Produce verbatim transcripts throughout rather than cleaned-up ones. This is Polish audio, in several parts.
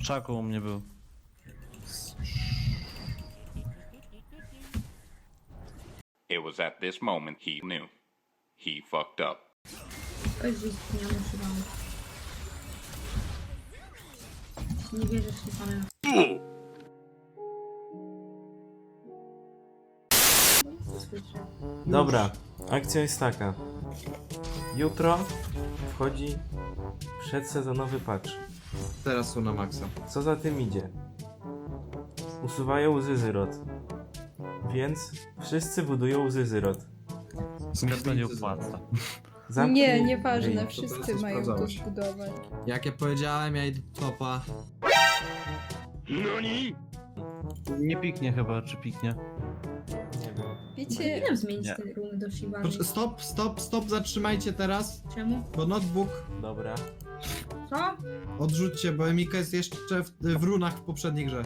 Szaku u mnie był. It was at this moment he knew. He fucked up. Oj, nie używam. Nie wierzę, że pana. Dobra, akcja jest taka. Jutro wchodzi przedsezonowy patch. Teraz są na maksa. Co za tym idzie? Usuwają Zizyrot. Więc wszyscy budują Zizyrot. Mi się to nie opłaca. Zamknij Nie, nieważne, ryj. To wszyscy teraz mają to sprawdzałeś. zbudować. Jak ja powiedziałem, ja idę do topa. Nie piknie chyba, czy piknie? Nie wiem. Wiecie, Powinienem zmienić Nie. ten room do Shivany. Proszę, stop, stop, stop, zatrzymajcie teraz, Czemu? bo notebook Dobra. Co? odrzućcie, bo Emika jest jeszcze w, w runach w poprzedniej grze.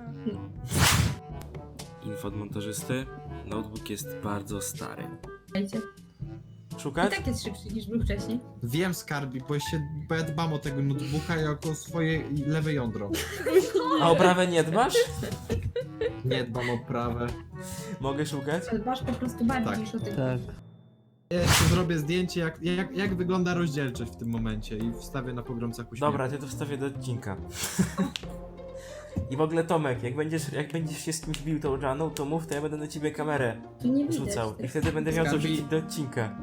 Info od montażysty. Notebook jest bardzo stary. Dajcie. I Szukać? tak jest szybszy niż był wcześniej. Wiem, Skarbi, bo, się, bo ja dbam o tego notebooka jako swoje lewe jądro. A o prawę nie dbasz? Nie dbam o prawe. Mogę szukać? Ale dbasz po prostu bardziej Tak. niż o tych. Tak. Ja jeszcze zrobię zdjęcie, jak, jak, jak wygląda rozdzielczość w tym momencie i wstawię na pogromcach uśmiechu. Dobra, ty to wstawię do odcinka. I w ogóle Tomek, jak będziesz, jak będziesz się z kimś bił tą Janą, to mów, to ja będę na ciebie kamerę Tu nie widać. rzucał. I tych- wtedy będę miał co Skarbi- wrzucić do odcinka.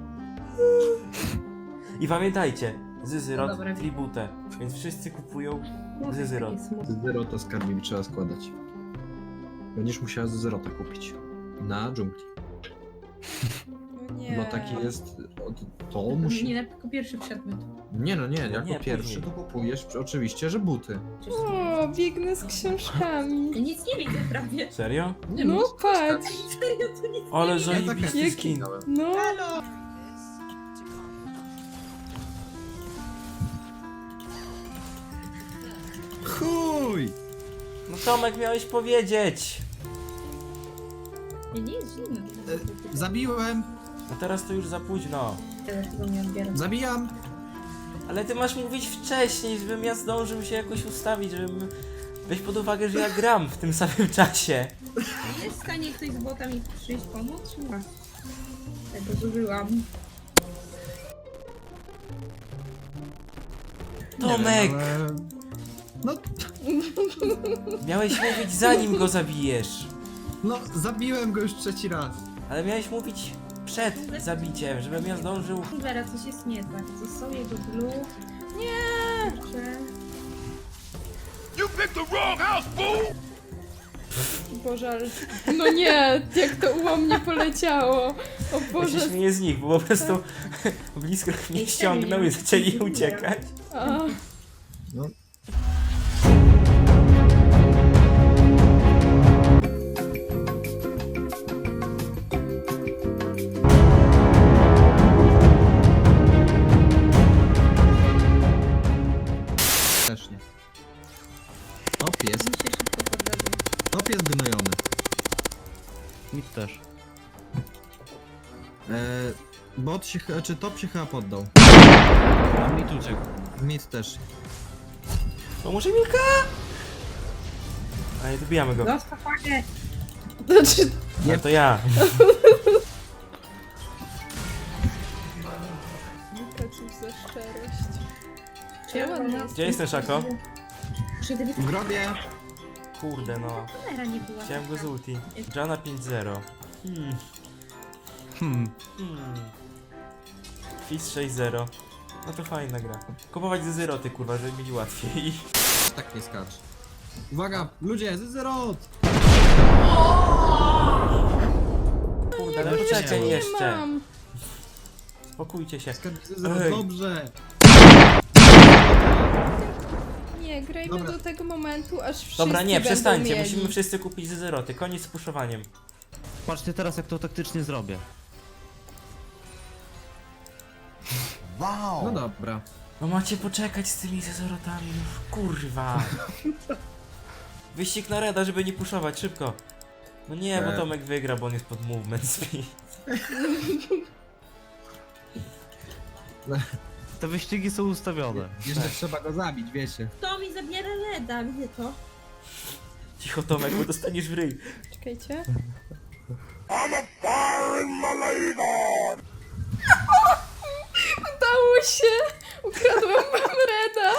I pamiętajcie, Zizyrot, No dobra. tribute, więc wszyscy kupują Mów, Zizyrot. takie smutne. Zero to Skarbi trzeba składać. Będziesz musiała z zerota kupić. Na dżungli. no nie. Bo taki jest... od- To musi... Nie, tylko pierwszy przedmiot. Nie no nie, jako Nie, pierwszy później. to kupujesz oczywiście, że buty. Przecież O, biegnę z książkami. ja nic nie widzę prawie. Serio? Nie No patrz, Serio, to nic Ale nie widzę. zajebisty Jaki- skin. no. Chuj! No Tomek, miałeś powiedzieć. Nie, nie jest zimno. E, Zabiłem! No teraz to już za późno. Teraz tego nie odbieram. Zabijam! Ale ty masz mówić wcześniej, żebym ja zdążył się jakoś ustawić, żebym... Weź pod uwagę, że ja gram w tym samym czasie. Jest w stanie ktoś z bota mi przyjść pomóc? Nie. Tego zużyłam. Tomek! Nie wiem, ale... No, Miałeś mówić zanim go zabijesz. no, zabiłem go już trzeci raz. Ale miałeś mówić przed zabiciem, żebym ja zdążył... Vera, coś jest nie tak. Co są jego blue? Nie! Kurczę. Boże, ale... No nie, jak to u mnie poleciało. O Ja się Boże. śmieję z nich, bo po prostu blisko mnie ściągnął i zaczęli uciekać. A, No. Też nie. Top jest, Mi się szybko podrobił. top jest gnojony. Mi też. E, bot się, ch- czy top się chyba poddał. A mi tu uciekł. Mid też. Pomóże Milka! A nie, dobijamy go. Zostaw fagę! znaczy, Nie, to ja. Milka, cóż za szczerość. Czy ja Ładnie. mam- Gdzie jest ten Szako? Czy gdyby W grobie. Kurde no. kamera nie była Chciałem go z taka? ulti. Jana pięć zero. Hmm. Hmm. Hmm. Fizz sześć zero. No to fajna gra. Kupować ze zeroty kurwa, żeby mieć łatwiej. Tak nie skacz. Uwaga, ludzie, zerot! Kurde, ale nie poczekaj mam. jeszcze. Mam. Spokójcie się. Zerot, Ej. dobrze. Nie, grajmy Dobra. do tego momentu, aż wszyscy Dobra, nie, będą przestańcie. mieli. Musimy wszyscy kupić ze zeroty. Koniec z puszowaniem. Patrzcie teraz, jak to taktycznie zrobię. No dobra. No macie poczekać z tymi zezorotami, już kurwa. Wyścig na reda, żeby nie puszować, szybko. No nie, bo E. Tomek wygra, bo on jest pod movement speed. Te wyścigi są ustawione. Jeszcze trzeba go zabić, wiecie. To mi zabiera Reda, gdzie to? Cicho Tomek, bo dostaniesz w ryj. Czekajcie. Udało się! Ukradłam wam Reda!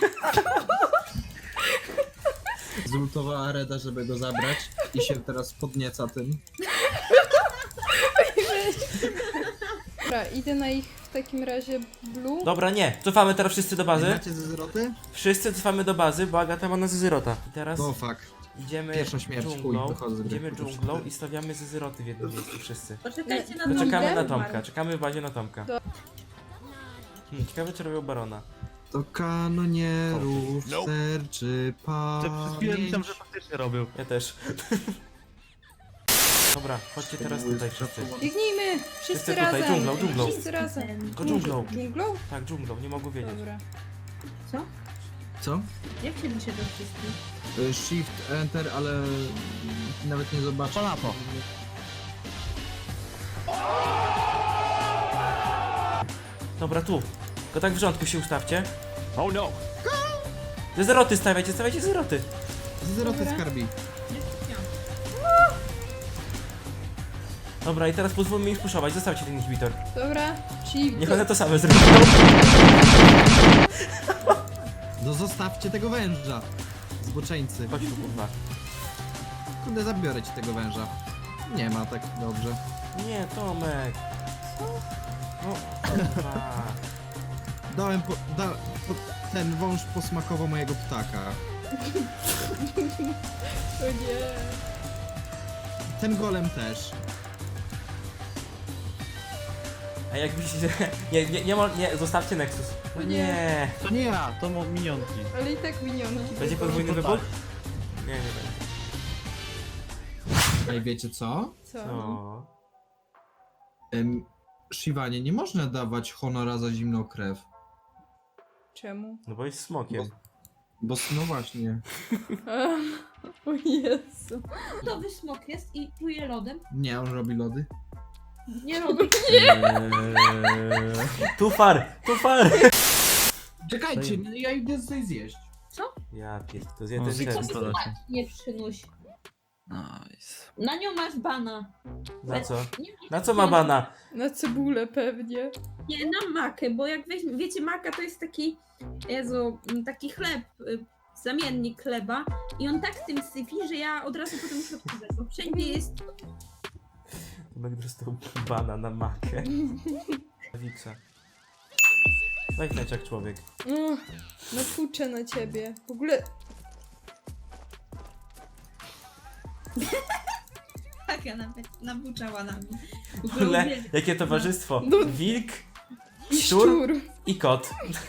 Zultowała Reda, żeby go zabrać i się teraz podnieca tym. Dobra, idę na ich w takim razie blue. Dobra, nie. Cofamy teraz wszyscy do bazy. Macie ze zwroty? Wszyscy cofamy do bazy, bo Agata ma na zezyrota. I teraz No fuck. idziemy Pierwsza śmierć, chuj, dżunglą, wychodzę z gry. idziemy dżunglą i stawiamy zezyroty w jednym miejscu wszyscy. Poczekajcie na No, Tomka. Czekamy na Idę? Tomka, czekamy w bazie na Tomka. Do- Hmm, ciekawe czy robią barona. To kanonierów sterczy Te przez chwilę myślałem, pamięć. że faktycznie robił. Ja też. Dobra, chodźcie teraz tutaj wszyscy. Biegnijmy! Wszyscy Wszyscy tutaj, razem! dżunglą, dżunglą. Wszyscy razem! Tylko dżunglą. Dżunglą? Tak, dżunglą, nie mogę wiedzieć. Dobra. Co? Co? Jak się liczy do wszystkich? Y, Shift, Enter, ale nawet nie zobaczę. Polapo. Dobra, tu. Tylko tak w rządku się ustawcie. Oh no! Zezyroty stawiajcie, stawiajcie zezyroty. Zeroty Dobra. skarbi. Dobra, i teraz pozwólmy im spuszować, zostawcie ten inhibitor. Dobra, czyli... Niech one to same zrobią. No zostawcie tego węża. Zboczeńcy. Chodź tu, kurwa. Kurde, zabiorę ci tego węża. Nie ma tak dobrze. Nie, Tomek. No, kurwa. Dałem po, da, po, ten wąż posmakował mojego ptaka. O nie. Ten golem też. A jak myślicie, nie, nie, nie, mo- nie, zostawcie Nexus. No nie. To nie ja, to mo- minionki. Ale i tak minionki. Będzie tylko. podwójny To wybuch? tak. Nie, nie będzie. Ej, wiecie co? Co? Co? Em, Shiwanie, nie można dawać honora za zimną krew. Czemu? No bo jest smokiem. Bo no właśnie. O Jezu. To wysmok jest i pluje lodem. Nie, on robi lody. Nie robi. Eee, Tu far, tu far. Czekajcie, ja idę coś zjeść. Ja pierd, to zje O, ten zjadł. ten. to leci. Nie przynuś. Nice. Na nią masz bana. Na co? Nie, Na co ma bana? Na cebulę pewnie. nie, na makę, bo jak weźmie, wiecie, maka to jest taki, Jezu, taki chleb, y, zamiennik chleba i on tak tym syfi, że ja od razu potem muszę odkrywać, bo wszędzie jest. Tomek dostał bana na makę. Wiksa. Weź jak człowiek. No, napuczę na ciebie. W ogóle... Tak, ja nawet nabuczała na mnie. W ogóle, jakie towarzystwo. No. Wilk, I szczur szczur. i kot.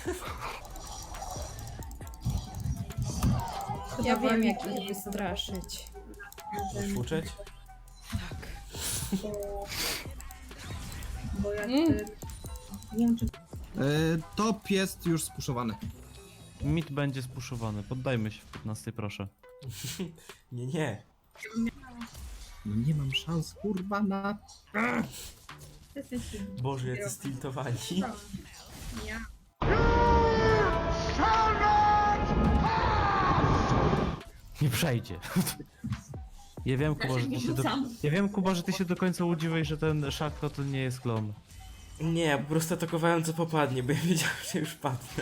Ja wiem, jak ich wystraszyć. Uczeć? Tak. Bo, bo jak. Mm. y, Nie wiem, czy. E, top jest już spuszowany. Mit będzie spuszowany. Poddajmy się w piętnastej, proszę. Nie, nie. No nie mam szans, kurwa, na... Jestem silny. Boże, jacy stiltowani. Ja. Nie przejdzie. Ja wiem, Kuba, że ty się do... Rzucam. Ja wiem, Kuba, że ty się do końca udziwiłeś, że ten Szako to nie jest klon. Nie, ja po prostu atakowałem co popadnie, bo ja wiedziałem, że już padnę.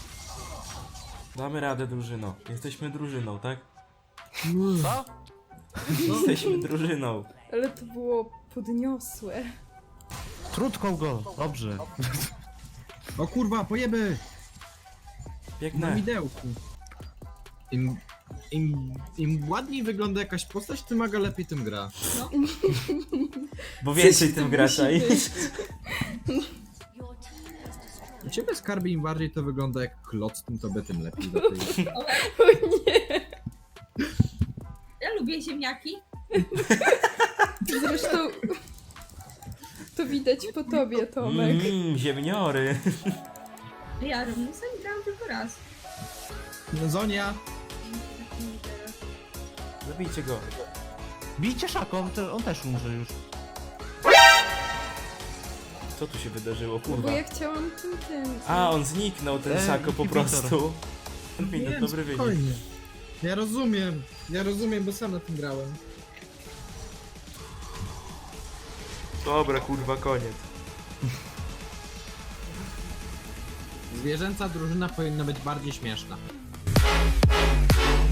Damy radę, drużyno. Jesteśmy drużyną, tak? Co? Jesteśmy drużyną. Ale to było podniosłe. Trutką go! Dobrze. O kurwa, pojeby! Na Biegnę. widełku. Im, im, Im ładniej wygląda jakaś postać, tym Aga lepiej tym gra. Bo więcej Coś tym tu gracza musi i... być. U ciebie skarby im bardziej to wygląda jak kloc, tym tobie tym lepiej. do tej- O nie. Ja lubię ziemniaki. Zresztą... To widać po tobie, Tomek. Mmm, ziemniory. Ja robię sobie grałam tylko raz. No, Zonia! Zabijcie go. Bijcie Szako, on, te, on też umrze już. Co tu się wydarzyło, No kurwa? bo ja chciałam tym, tym. A, on zniknął, ten Ej, Sako po inhibitor. prostu. Minut, Nie, dobry wynik. spokojnie. Ja rozumiem, ja rozumiem, bo sam na tym grałem. Dobra, kurwa, koniec. Zwierzęca drużyna powinna być bardziej śmieszna.